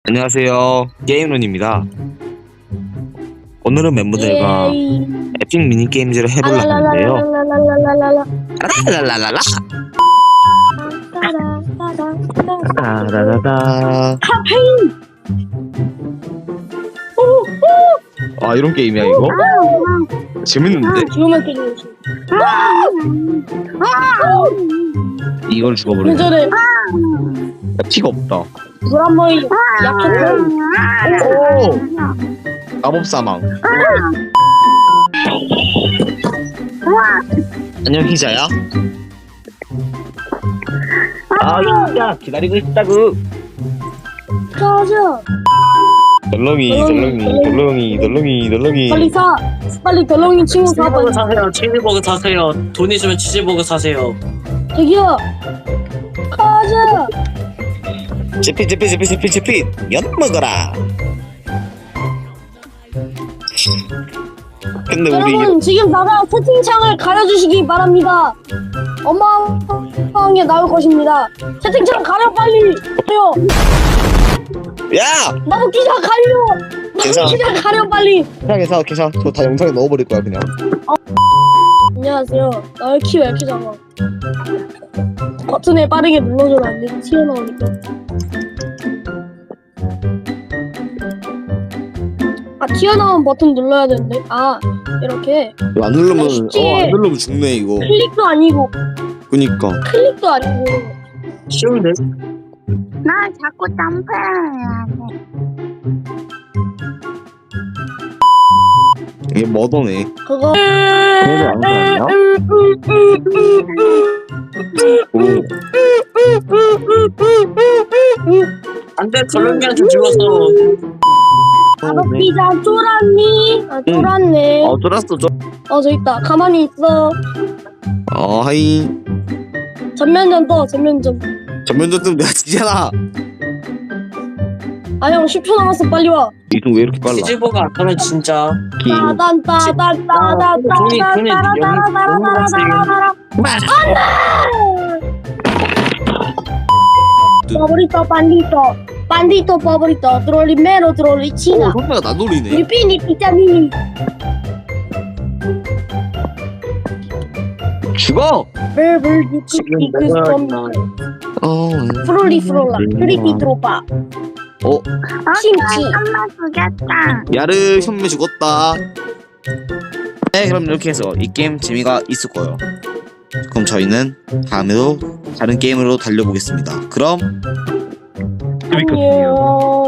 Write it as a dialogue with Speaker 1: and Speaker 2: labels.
Speaker 1: 안녕하세요. 게임런입니다. 오늘은 멤버들과 에픽 미니게임즈를 해보려고 하는데요. 라라라라라 라라라라
Speaker 2: 카페인!
Speaker 1: 아, 이런 게임이야 이거? 재밌는데?
Speaker 2: 지금만 때리지.
Speaker 1: 이걸 죽어버리네.
Speaker 2: 예전에
Speaker 1: 피가 없다.
Speaker 2: 브라머이 약했던
Speaker 1: 오! 마법사망. 안녕 희자야. 아, 희자 기다리고 있다구.
Speaker 2: 가자.
Speaker 1: 덜렁이.
Speaker 2: 빨리 덜렁이 친구 사봐.
Speaker 3: 치즈버거 사세요. 치즈버거 사세요. 돈 있으면 치즈버거 사세요.
Speaker 2: 저기요. 가자.
Speaker 1: 제피 연 먹어라. 근데 우리
Speaker 2: 여러분 지금 나가 채팅창을 가려주시기 바랍니다. 엄마방에 나올 것입니다. 채팅창 가려 빨리. 가려.
Speaker 1: 야!
Speaker 2: 나도 기자 가려.
Speaker 1: 괜찮아.
Speaker 2: 기자 가려 빨리.
Speaker 1: 괜찮아. 저 다 영상에 넣어버릴 거야 그냥.
Speaker 2: 안녕하세요. 나의 키 왜 이렇게 작아? 버튼에 빠르게 눌러줘도 안 돼. 튀어나오니까. 튀어나온 버튼 눌러야 되는데. 이렇게.
Speaker 1: 이거 안 누르면
Speaker 2: 쉽지.
Speaker 1: 안 누르면 죽네 이거.
Speaker 2: 클릭도 아니고
Speaker 1: 그니까.
Speaker 2: 클릭도 아니고.
Speaker 3: 쉬운데?
Speaker 4: 나 자꾸 점프해야 돼.
Speaker 1: 이게 머더네.
Speaker 2: 그거.
Speaker 1: 그래도 안 사냐? 오.
Speaker 3: 안돼, 덜렁이한테 죽었어.
Speaker 2: 나도 피자 쫄았니? 쫄았네.
Speaker 1: 쫄았어.
Speaker 2: 저 있다. 가만히 있어.
Speaker 1: 하이.
Speaker 2: 전면전 떠. 전면전.
Speaker 1: 전면전 뜨면 내가 지잖아.
Speaker 2: 형 10초 남았어. 빨리 와.
Speaker 1: 이동 왜 이렇게 빨라?
Speaker 3: 치즈버거 안 하면 진짜.
Speaker 2: 돈이 Favorito bandito favorito trollimero trollicina
Speaker 1: 손가락 나 놀리네.
Speaker 2: Lipini pizzanini
Speaker 1: 죽어.
Speaker 3: 지금 내가
Speaker 2: Frulli frulla Fritti truppa Simci
Speaker 4: 엄마 죽였다.
Speaker 1: 야르 현매 죽었다. 네, 그럼 이렇게 해서 이 게임 재미가 있을 거예요. 그럼 저희는 다음에도 다른 게임으로 달려보겠습니다. 그럼
Speaker 2: 안녕